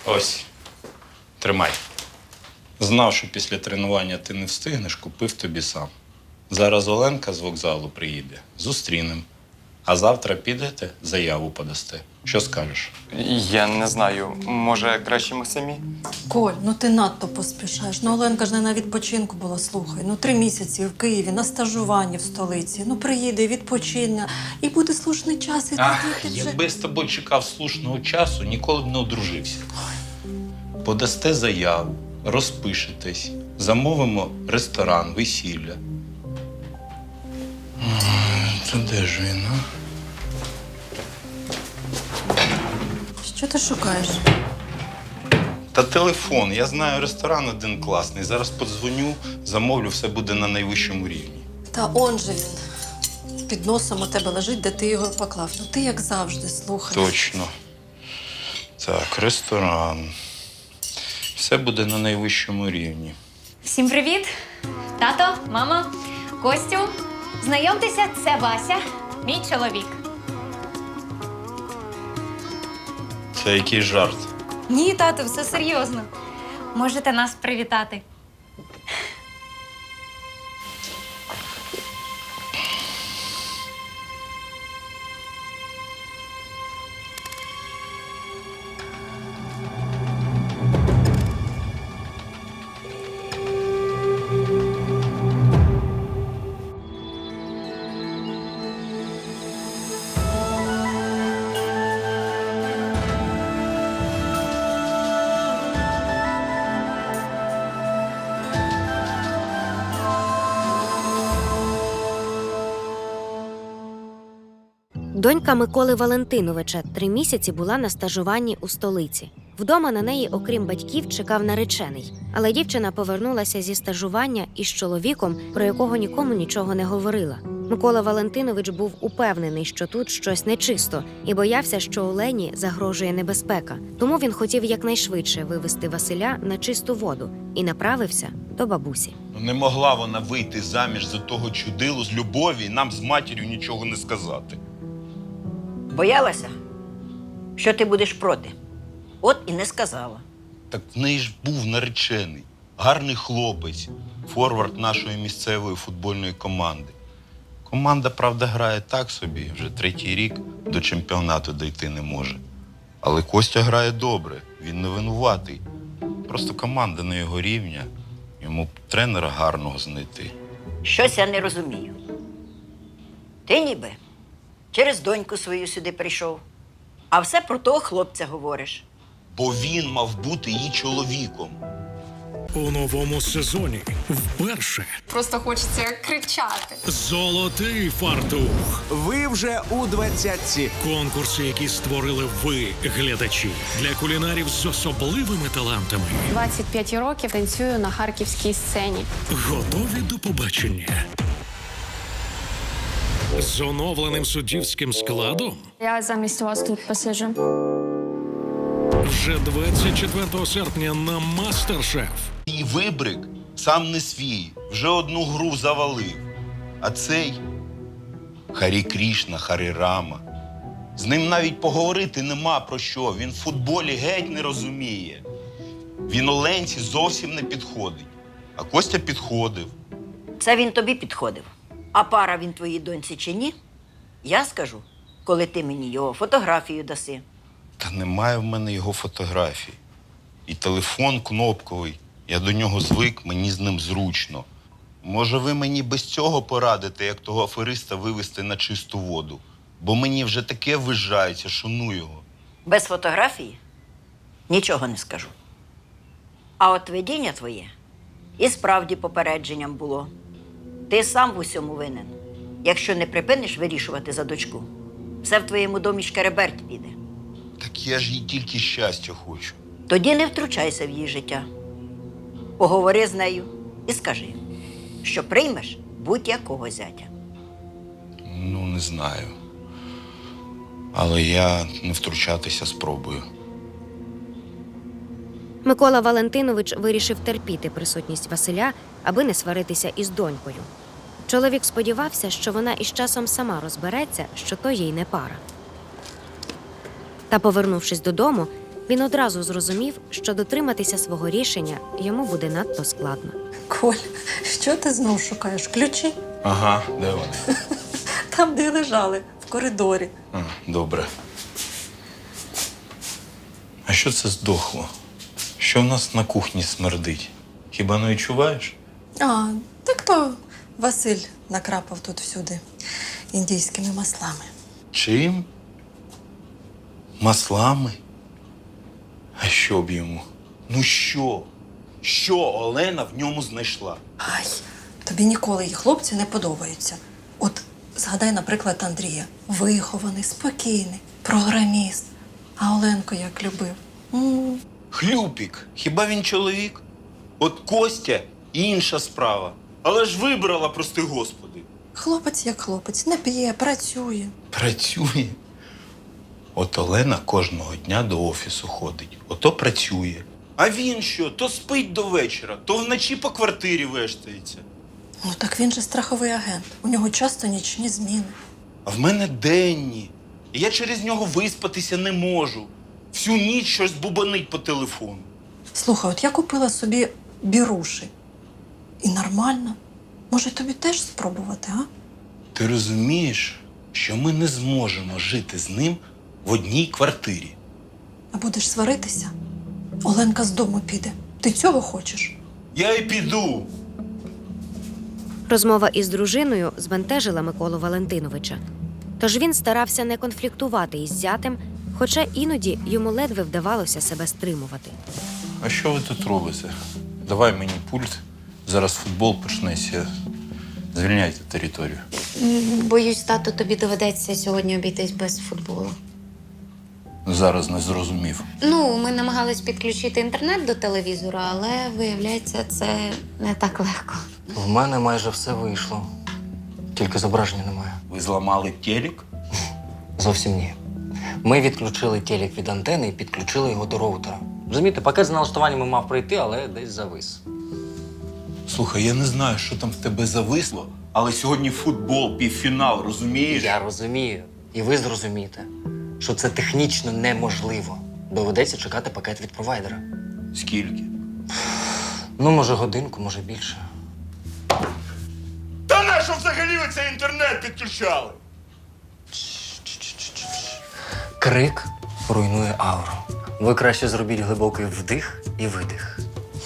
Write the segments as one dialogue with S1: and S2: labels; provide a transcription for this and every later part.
S1: Ось, тримай. Знав, що після тренування ти не встигнеш, купив тобі сам. Зараз Оленка з вокзалу приїде, зустрінем. А завтра підете, заяву подасте. Що скажеш?
S2: Я не знаю, може краще ми самі?
S3: Коль, ну ти надто поспішаєш. Ну Оленка ж не на відпочинку була, слухай. Ну 3 місяці в Києві, на стажуванні в столиці. Ну приїде, відпочине, і буде слушний час, і
S1: Ах,
S3: тоді ти вже...
S1: якби з тобою чекав слушного часу, ніколи б не одружився. Подасте заяву, розпишетесь, замовимо ресторан, весілля. Це де ж він, а?
S3: Що ти шукаєш?
S1: Та телефон. Я знаю ресторан один класний. Зараз подзвоню, замовлю, все буде на найвищому рівні.
S3: Та он же він. Під носом у тебе лежить, де ти його поклав. Ну ти як завжди, слухай.
S1: Точно. Так, ресторан. Все буде на найвищому рівні.
S4: Всім привіт! Тато, мама, Костю. Знайомтеся, це Вася, мій чоловік.
S1: Це який жарт.
S4: Ні, тато, все серйозно. Можете нас привітати.
S5: Донька Миколи Валентиновича 3 місяці була на стажуванні у столиці. Вдома на неї, окрім батьків, чекав наречений. Але дівчина повернулася зі стажування із чоловіком, про якого нікому нічого не говорила. Микола Валентинович був упевнений, що тут щось нечисто, і боявся, що Олені загрожує небезпека. Тому він хотів якнайшвидше вивести Василя на чисту воду і направився до бабусі.
S6: Не могла вона вийти заміж за того чудилу з любові і нам з матір'ю нічого не сказати.
S7: Боялася, що ти будеш проти. От і не сказала.
S6: Так в неї ж був наречений, гарний хлопець, форвард нашої місцевої футбольної команди. Команда, правда, грає так собі, вже 3-й рік до чемпіонату дійти не може. Але Костя грає добре, він не винуватий. Просто команда на його рівня, йому б тренера гарного знайти.
S7: Щось я не розумію. Ти ніби через доньку свою сюди прийшов, а все про того хлопця говориш.
S6: Бо він мав бути її чоловіком.
S8: У новому сезоні вперше
S9: Просто хочеться кричати.
S8: золотий фартух.
S10: Ви вже у 20-ці.
S8: Конкурси, які створили ви, глядачі, для кулінарів з особливими талантами.
S9: 25 років танцюю на харківській сцені.
S8: Готові до побачення. З оновленим суддівським складом
S9: Я замість вас тут посиджу.
S8: вже 24 серпня на Мастер-Шеф.
S6: І вибрик сам не свій, вже одну гру завалив. А цей Харі Крішна, Харі Рама. З ним навіть поговорити нема про що. Він в футболі геть не розуміє. Він Оленці зовсім не підходить. А Костя підходив.
S7: Це він тобі підходив. А пара він твоїй доньці чи ні? Я скажу, коли ти мені його фотографію даси.
S6: Та немає в мене його фотографій. І телефон кнопковий. Я до нього звик, мені з ним зручно. Може, ви мені без цього порадите, як того афериста вивести на чисту воду? Бо мені вже таке вижається, що ну його.
S7: Без фотографії нічого не скажу. А от видіння твоє і справді попередженням було. Ти сам в усьому винен. Якщо не припиниш вирішувати за дочку, все в твоєму домі шкереберть піде.
S6: Так я ж їй тільки щастя хочу.
S7: Тоді не втручайся в її життя. Поговори з нею і скажи, що приймеш будь-якого зятя.
S6: Ну, не знаю. Але я не втручатися спробую.
S5: Микола Валентинович вирішив терпіти присутність Василя, аби не сваритися із донькою. Чоловік сподівався, що вона із часом сама розбереться, що то їй не пара. Та, повернувшись додому, Він одразу зрозумів, що дотриматися свого рішення йому буде надто складно.
S3: Коль, що ти знов шукаєш? Ключі?
S1: Ага, де вони?
S3: Там, де лежали, в коридорі.
S1: Добре. А що це здохло? Що в нас на кухні смердить? Хіба не відчуваєш?
S3: А, так то Василь накрапав тут всюди індійськими маслами.
S1: Чим? Маслами? А що б йому?
S6: Ну що? Що Олена в ньому знайшла?
S3: Ай, тобі ніколи її хлопці не подобаються. От згадай, наприклад, Андрія. Вихований, спокійний, програміст. А Оленко як любив.
S6: Хлюпік, хіба він чоловік? От Костя інша справа. Але ж вибрала, прости господи.
S3: Хлопець як хлопець, не п'є, працює.
S6: Працює. От Олена кожного дня до офісу ходить, ото працює. А він що? То спить до вечора, то вночі по квартирі вештається.
S3: Ну так він же страховий агент. У нього часто нічні зміни.
S6: А в мене денні. І я через нього виспатися не можу. Всю ніч щось бубанить по телефону.
S3: Слухай, от я купила собі біруші. І нормально. Може, тобі теж спробувати, а?
S6: Ти розумієш, що ми не зможемо жити з ним в одній квартирі.
S3: А будеш сваритися? Оленка з дому піде. Ти цього хочеш?
S6: Я й піду.
S5: Розмова із дружиною збентежила Миколу Валентиновича. Тож він старався не конфліктувати із зятем, хоча іноді йому ледве вдавалося себе стримувати.
S1: А що ви тут робите? Давай мені пульт. Зараз футбол почнеться. Звільняйте територію.
S4: Боюсь, тату, тобі доведеться сьогодні обійтись без футболу.
S1: Зараз не зрозумів.
S4: Ну, ми намагались підключити інтернет до телевізора, але, виявляється, це не так легко.
S11: В мене майже все вийшло. Тільки зображення немає.
S6: Ви зламали телек?
S11: Зовсім ні. Ми відключили телек від антени і підключили його до роутера. Розумієте, пакет з налаштуваннями мав пройти, але десь завис.
S6: Слухай, я не знаю, що там в тебе зависло, але сьогодні футбол, півфінал, розумієш?
S11: Я розумію. І ви зрозумієте, що це технічно неможливо. Доведеться чекати пакет від провайдера.
S6: Скільки?
S11: Ну, може, годинку, може більше.
S6: Та нащо взагалі ви цей інтернет підключали?
S11: Крик руйнує ауру. Ви краще зробіть глибокий вдих і видих.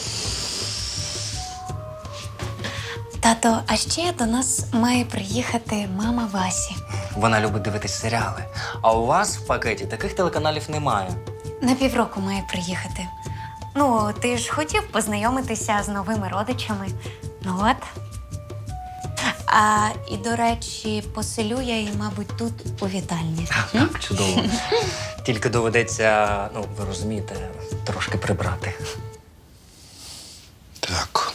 S4: Тато, а ще до нас має приїхати мама Васі.
S11: Вона любить дивитись серіали. А у вас в пакеті таких телеканалів немає.
S4: На півроку має приїхати. Ну, ти ж хотів познайомитися з новими родичами. Ну от. І, до речі, поселю я її, мабуть, тут у вітальні.
S11: Так, чудово. Тільки доведеться, ну, ви розумієте, трошки прибрати.
S6: Так.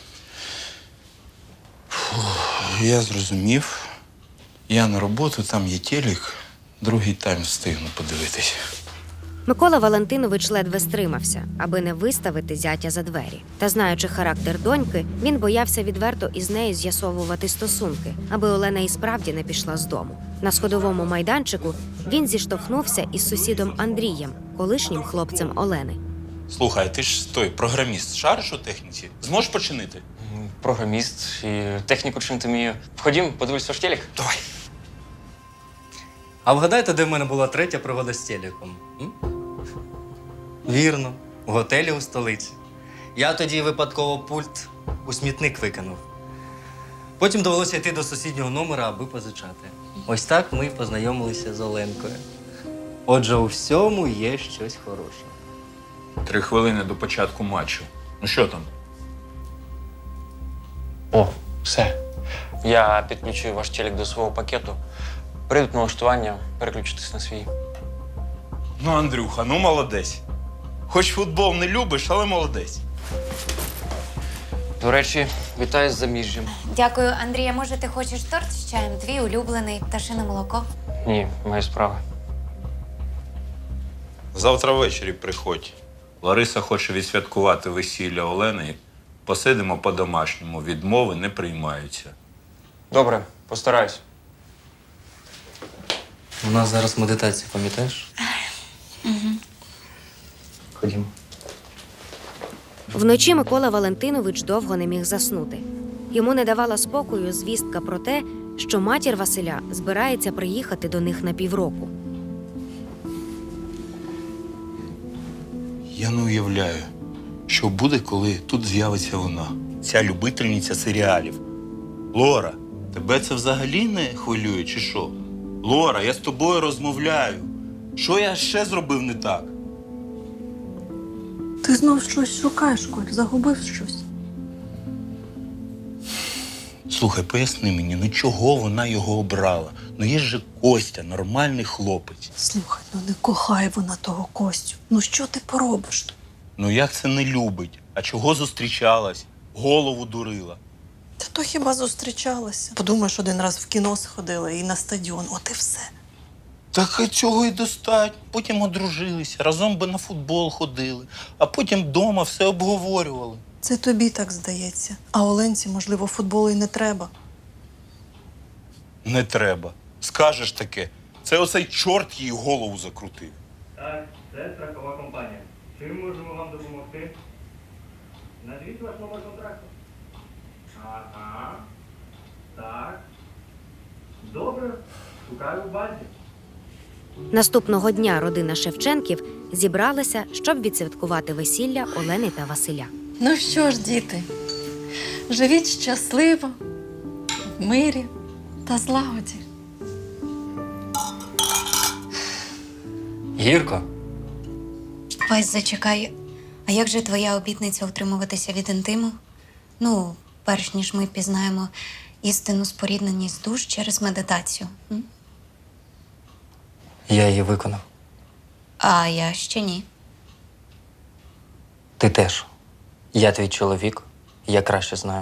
S6: Я зрозумів. Я на роботу, там є телек. Другий тайм встигну подивитись.
S5: Микола Валентинович ледве стримався, аби не виставити зятя за двері. Та знаючи характер доньки, він боявся відверто із нею з'ясовувати стосунки, аби Олена і справді не пішла з дому. На сходовому майданчику він зіштовхнувся із сусідом Андрієм, колишнім хлопцем Олени.
S6: Слухай, ти ж той програміст, шариш у техніці? Зможеш починити?
S11: Програміст і техніку чинити вмію. Входім, подивись ваш телек.
S6: Давай.
S11: А вгадайте, де в мене була третя пригода з телеком? Вірно, в готелі у столиці. Я тоді випадково пульт у смітник викинув. Потім довелося йти до сусіднього номера, аби позичати. Ось так ми й познайомилися з Оленкою. Отже, у всьому є щось хороше.
S1: 3 хвилини до початку матчу. Ну що там?
S11: О, все. Я підключую ваш телек до свого пакету. Прийдуть налаштування, переключитись на свій.
S6: Ну, Андрюха, ну молодець. Хоч футбол не любиш, але молодець.
S11: До речі, вітаю з заміжжям.
S4: Дякую, Андрія. Може, ти хочеш торт з чаєм? Твій улюблений пташине молоко?
S11: Ні, маю справи.
S1: Завтра ввечері приходь. Лариса хоче відсвяткувати весілля Олени. Посидимо по-домашньому. Відмови не приймаються.
S11: Добре, постараюсь. У нас зараз медитація, пам'ятаєш?
S2: Ходімо.
S5: Вночі Микола Валентинович довго не міг заснути. Йому не давала спокою звістка про те, що матір Василя збирається приїхати до них на півроку.
S6: Я не уявляю, що буде, коли тут з'явиться вона, ця любительниця серіалів. Лора, тебе це взагалі не хвилює, чи що? Лора, я з тобою розмовляю. Що я ще зробив не так?
S3: Ти знов щось шукаєш, Коль, загубив щось.
S6: Слухай, поясни мені, ну чого вона його обрала? Ну є ж Костя, нормальний хлопець.
S3: Слухай, ну не кохає вона того Костю. Ну що ти поробиш тут?
S6: Ну як це не любить? А чого зустрічалась? Голову дурила.
S3: Та то хіба зустрічалася? Подумаєш, один раз в кіно сходила і на стадіон, от і все.
S6: Так і цього і достатньо. Потім одружилися, разом би на футбол ходили, а потім вдома все обговорювали.
S3: Це тобі так здається. А Оленці, можливо, футболу і не треба.
S6: Не треба. Скажеш таке, це оцей чорт їй голову закрутив.
S11: Так, це страхова компанія. Чим можемо вам допомогти? Назвіть ваш номер контракту. Ага. Так. Добре. Шукаю в базі.
S5: Наступного дня родина Шевченків зібралася, щоб відсвяткувати весілля Олени та Василя.
S3: Ну що ж, діти, живіть щасливо, в мирі та злагоді.
S11: Гірко.
S4: Вась, зачекай. А як же твоя обітниця утримуватися від інтиму? Ну, перш ніж ми пізнаємо істинну спорідненість душ через медитацію. М?
S11: Я її виконав.
S4: А я ще ні.
S11: Ти теж. Я твій чоловік, я краще знаю.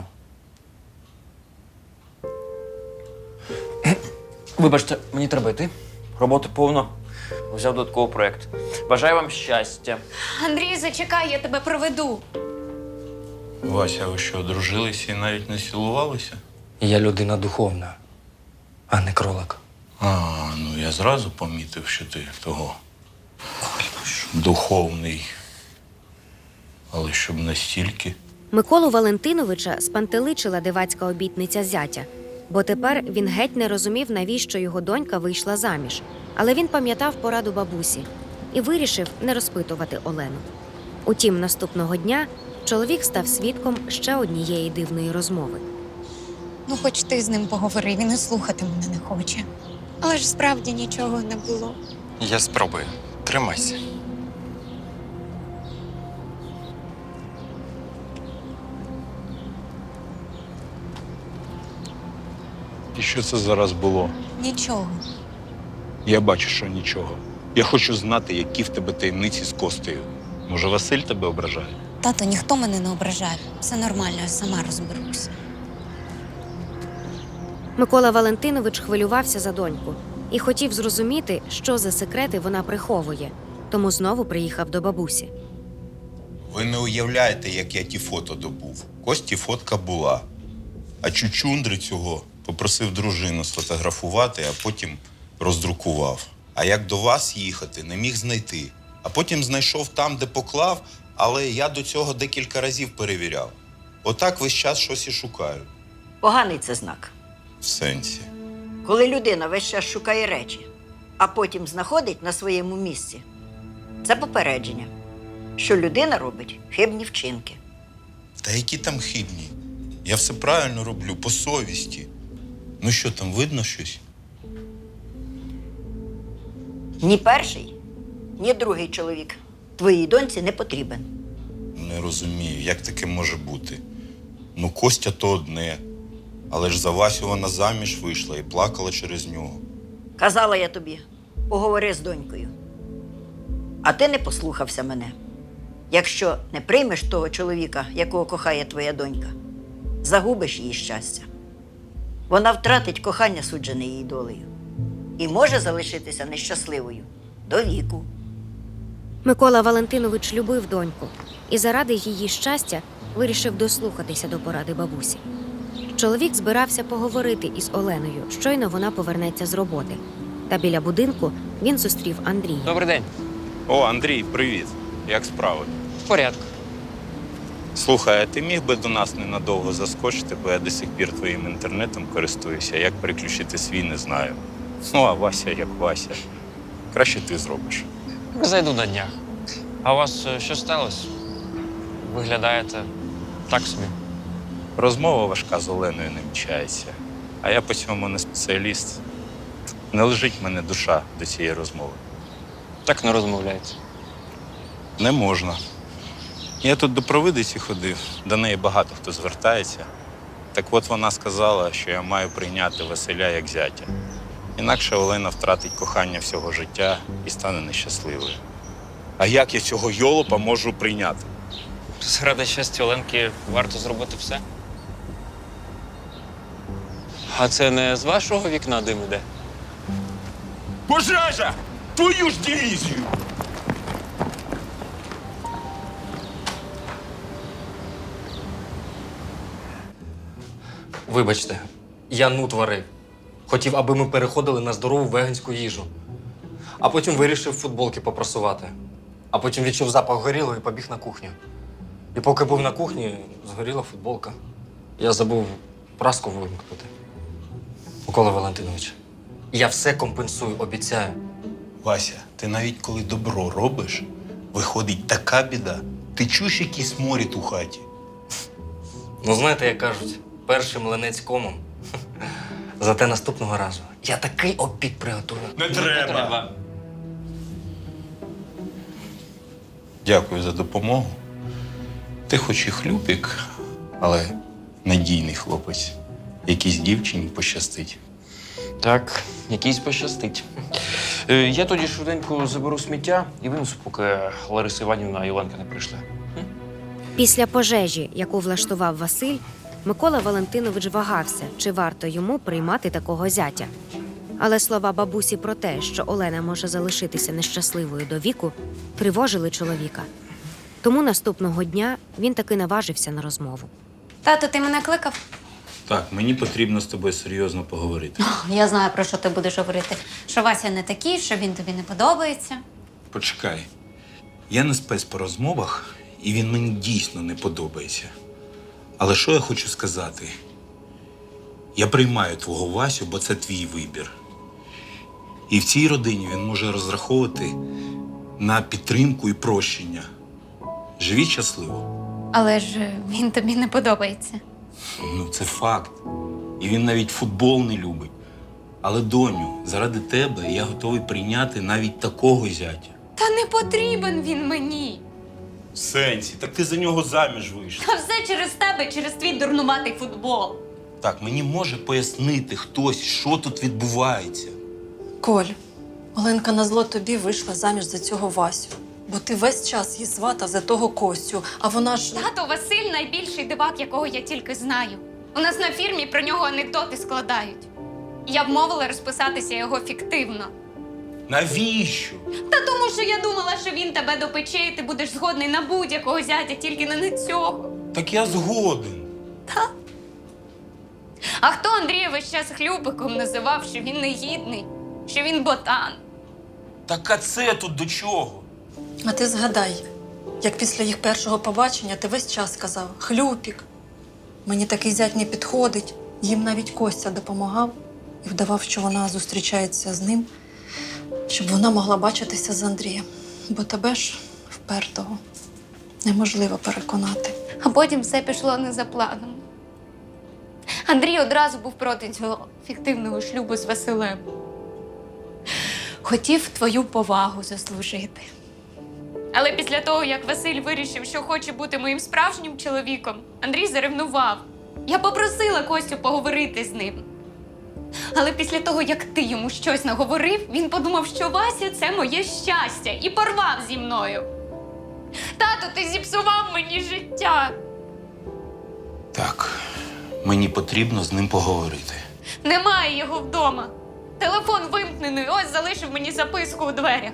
S12: Вибачте, мені треба йти. Роботи повно. Взяв додатковий проєкт. Бажаю вам щастя.
S4: Андрій, зачекай, я тебе проведу.
S6: Вася, ви що, одружилися і навіть не цілувалися?
S11: Я людина духовна, а не кролик.
S6: А, ну я зразу помітив, що ти того духовний. Але щоб настільки.
S5: Миколу Валентиновича спантеличила дивацька обітниця зятя, бо тепер він геть не розумів, навіщо його донька вийшла заміж. Але він пам'ятав пораду бабусі і вирішив не розпитувати Олену. Утім, наступного дня чоловік став свідком ще однієї дивної розмови.
S4: Ну, хоч ти з ним поговори, він і слухати мене не хоче. Але ж справді нічого не було.
S2: Я спробую. Тримайся.
S6: І що це зараз було?
S4: Нічого.
S6: Я бачу, що нічого. Я хочу знати, які в тебе таємниці з Костею. Може, Василь тебе ображає?
S4: Тато, ніхто мене не ображає. Все нормально, я сама розберусь.
S5: Микола Валентинович хвилювався за доньку і хотів зрозуміти, що за секрети вона приховує, тому знову приїхав до бабусі.
S6: Ви не уявляєте, як я ті фото добув. Кості фотка була. А чучундри цього попросив дружину сфотографувати, а потім роздрукував. А як до вас їхати, не міг знайти. А потім знайшов там, де поклав, але я до цього декілька разів перевіряв. Отак весь час щось і шукаю.
S7: Поганий це знак.
S6: В сенсі.
S7: Коли людина весь час шукає речі, а потім знаходить на своєму місці, це попередження, що людина робить хибні вчинки.
S6: Та які там хибні? Я все правильно роблю, по совісті. Ну що, там видно щось?
S7: Ні перший, ні другий чоловік твоїй доньці не потрібен.
S6: Не розумію, як таке може бути. Ну, Костя то одне. Але ж за Васю вона заміж вийшла і плакала через нього.
S7: Казала я тобі, поговори з донькою. А ти не послухався мене. Якщо не приймеш того чоловіка, якого кохає твоя донька, загубиш її щастя. Вона втратить кохання, суджене її долею. І може залишитися нещасливою до віку.
S5: Микола Валентинович любив доньку і заради її щастя вирішив дослухатися до поради бабусі. Чоловік збирався поговорити із Оленою, щойно вона повернеться з роботи. Та біля будинку він зустрів Андрія.
S12: Добрий день.
S6: О, Андрій, привіт.
S1: як справи?
S12: В порядку.
S1: Слухай, а ти міг би до нас ненадовго заскочити, бо я до сих пір твоїм інтернетом користуюся. Як переключити свій, не знаю. Ну, а Вася як Вася. Краще ти зробиш.
S12: Зайду на днях. А у вас що сталося? Виглядаєте так собі.
S1: Розмова важка з Оленою не вмічається. А я по цьому не спеціаліст. Не лежить в мене душа до цієї розмови.
S12: Так не розмовляється.
S1: Не можна. Я тут до провидиці ходив, до неї багато хто звертається. Так от вона сказала, що я маю прийняти Василя як зятя. Інакше Олена втратить кохання всього життя і стане нещасливою. А як я цього йолопа можу прийняти?
S12: Заради щастя Оленки варто зробити все. А це не з вашого вікна дим іде?
S1: Пожежа! Твою ж дивізію!
S11: Вибачте, я нут варив. Хотів, аби ми переходили на здорову веганську їжу. А потім вирішив футболки попрасувати. А потім відчув запах горілого і побіг на кухню. І поки був на кухні, згоріла футболка. Я забув праску вимкнути. Микола Валентинович, я все компенсую, обіцяю.
S6: Вася, ти навіть коли добро робиш, виходить така біда. Ти чуєш якийсь морід у хаті?
S11: Ну, знаєте, як кажуть, перший млинець комом. Зате наступного разу я такий обід приготую.
S1: Не треба! Дякую за допомогу. Ти хоч і хлюпик, але надійний хлопець. Якійсь дівчині пощастить.
S12: Так, якийсь пощастить. Я тоді швиденько заберу сміття і винесу, поки Лариса Іванівна і Оленка не прийшли.
S5: Після пожежі, яку влаштував Василь, Микола Валентинович вагався, чи варто йому приймати такого зятя. Але слова бабусі про те, що Олена може залишитися нещасливою до віку, тривожили чоловіка. Тому наступного дня він таки наважився на розмову.
S4: Тато, ти мене кликав?
S1: Так, мені потрібно з тобою серйозно поговорити.
S4: Я знаю, про що ти будеш говорити. Що Вася не такий, що він тобі не подобається.
S6: Почекай. Я не спец по розмовах, і він мені дійсно не подобається. Але що я хочу сказати? Я приймаю твого Васю, бо це твій вибір. І в цій родині він може розраховувати на підтримку і прощення. Живіть щасливо.
S4: Але ж він тобі не подобається.
S6: Ну, це факт. І він навіть футбол не любить. Але, доню, заради тебе я готовий прийняти навіть такого зятя.
S4: Та не потрібен він мені.
S6: В сенсі, так ти за нього заміж вийшла.
S4: А все через тебе, через твій дурнуватий футбол.
S6: Так, мені може пояснити хтось, що тут відбувається.
S3: Коль, Оленка назло тобі вийшла заміж за цього Васю. Бо ти весь час її сватав за того Костю, а вона ж…
S9: Тато Василь найбільший дивак, якого я тільки знаю. У нас на фірмі про нього анекдоти складають. Я вмовила розписатися його фіктивно.
S6: Навіщо?
S9: Та тому, що я думала, що він тебе допече, і ти будеш згодний на будь-якого зятя, тільки не на цього.
S6: Так я згоден.
S9: А хто Андрія весь час хлюпиком називав, що він негідний, що він ботан?
S6: Так а це тут до чого?
S3: А ти згадай, як після їх першого побачення ти весь час казав «Хлюпік, мені такий зять не підходить». Їм навіть Костя допомагав і вдавав, що вона зустрічається з ним, щоб вона могла бачитися з Андрієм. Бо тебе ж, впертого, неможливо переконати.
S9: А потім все пішло не за планом. Андрій одразу був проти цього фіктивного шлюбу з Василем. Хотів твою повагу заслужити. Але після того, як Василь вирішив, що хоче бути моїм справжнім чоловіком, Андрій заревнував. Я попросила Костю поговорити з ним. Але після того, як ти йому щось наговорив, він подумав, що Вася – це моє щастя, і порвав зі мною. Тато, ти зіпсував мені життя.
S6: Так, мені потрібно з ним поговорити.
S9: Немає його вдома. Телефон вимкнений, ось залишив мені записку у дверях.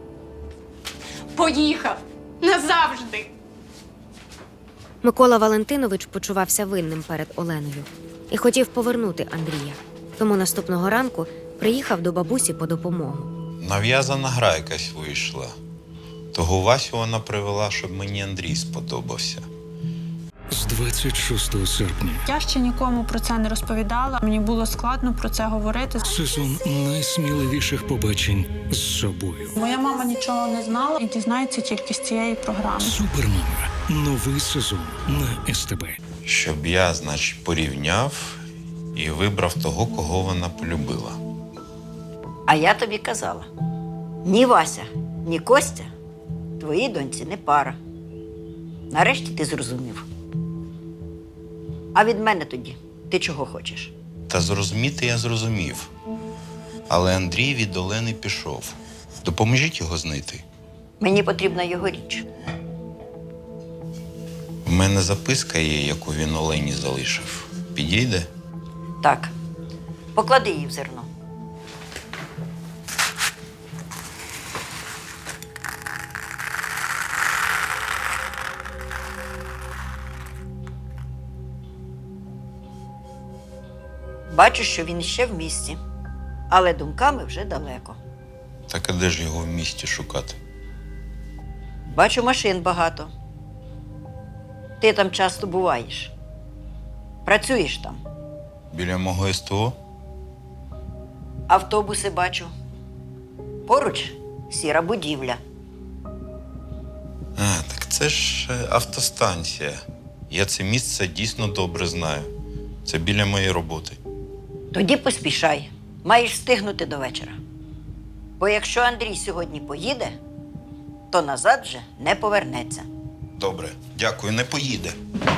S9: Поїхав. Назавжди.
S5: Микола Валентинович почувався винним перед Оленою і хотів повернути Андрія. Тому наступного ранку приїхав до бабусі по допомогу.
S6: Нав'язана гра якась вийшла. Того Васю вона привела, щоб мені Андрій сподобався.
S8: З 26 серпня
S13: Я ще нікому про це не розповідала. Мені було складно про це говорити.
S8: сезон найсміливіших побачень з собою.
S13: Моя мама нічого не знала і дізнається тільки з цієї програми.
S8: Супермама. Новий сезон на СТБ.
S6: Щоб я, значить, порівняв і вибрав того, кого вона полюбила.
S7: А я тобі казала: ні Вася, ні Костя твоїй доньці не пара. Нарешті ти зрозумів. А від мене тоді ти чого хочеш?
S6: Та зрозуміти я зрозумів. Але Андрій від Олени пішов. Допоможіть його знайти.
S7: Мені потрібна його річ.
S6: У мене записка є, яку він Олені залишив. Підійде?
S7: Так, поклади її в зерно. Бачу, що він ще в місті, але думками вже далеко.
S6: Так а де ж його в місті шукати?
S7: Бачу, машин багато. Ти там часто буваєш. Працюєш там.
S6: Біля мого СТО?
S7: Автобуси бачу. Поруч сіра будівля.
S6: А, так це ж автостанція. Я це місце дійсно добре знаю. Це біля моєї роботи.
S7: Тоді поспішай. Маєш встигнути до вечора. Бо якщо Андрій сьогодні поїде, то назад вже не повернеться.
S6: Добре, дякую, не поїде.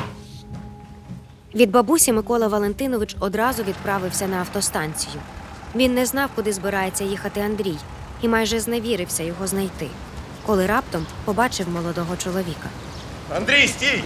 S5: Від бабусі Микола Валентинович одразу відправився на автостанцію. Він не знав, куди збирається їхати Андрій, і майже зневірився його знайти, коли раптом побачив молодого чоловіка.
S6: Андрій, стій!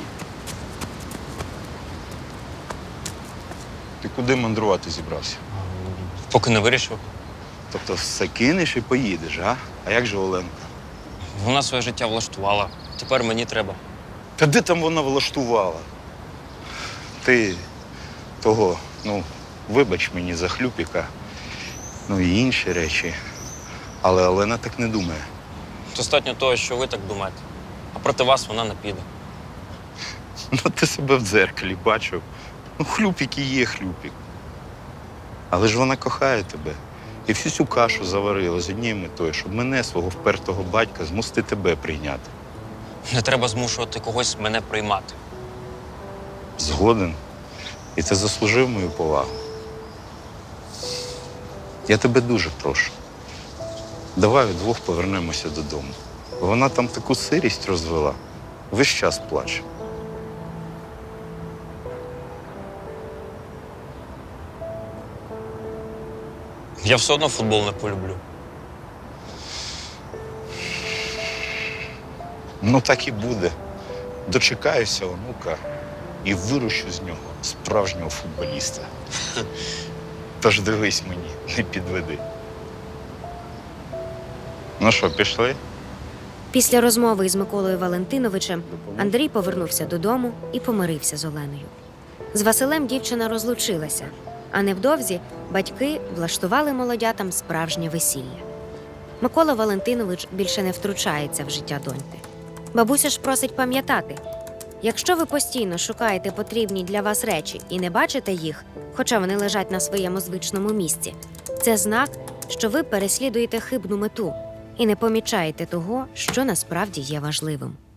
S6: Ти куди мандрувати зібрався?
S12: Поки не вирішив.
S6: Тобто все кинеш і поїдеш, а? А як же Оленка?
S12: Вона своє життя влаштувала. Тепер мені треба.
S6: Та де там вона влаштувала? Ти того, вибач мені за хлюпіка, і інші речі. Але Олена так не думає.
S12: Достатньо того, що ви так думаєте. А проти вас вона не піде.
S6: Ти себе в дзеркалі бачив. Хлюпік і є хлюпік. Але ж вона кохає тебе. І всю цю кашу заварила з однією метою, щоб мене, свого впертого батька, змусити тебе прийняти.
S12: Не треба змушувати когось мене приймати.
S6: Згоден. І ти заслужив мою повагу. Я тебе дуже прошу. Давай вдвох повернемося додому. Вона там таку сирість розвела. Весь час плаче.
S12: Я все одно футбол не полюблю.
S6: Так і буде. Дочекаюся онука і вирощу з нього справжнього футболіста. Тож дивись мені, не підведи. Ну що, пішли?
S5: Після розмови із Миколою Валентиновичем Андрій повернувся додому і помирився з Оленою. З Василем дівчина розлучилася, а невдовзі батьки влаштували молодятам справжнє весілля. Микола Валентинович більше не втручається в життя доньки. Бабуся ж просить пам'ятати, якщо ви постійно шукаєте потрібні для вас речі і не бачите їх, хоча вони лежать на своєму звичному місці, це знак, що ви переслідуєте хибну мету і не помічаєте того, що насправді є важливим.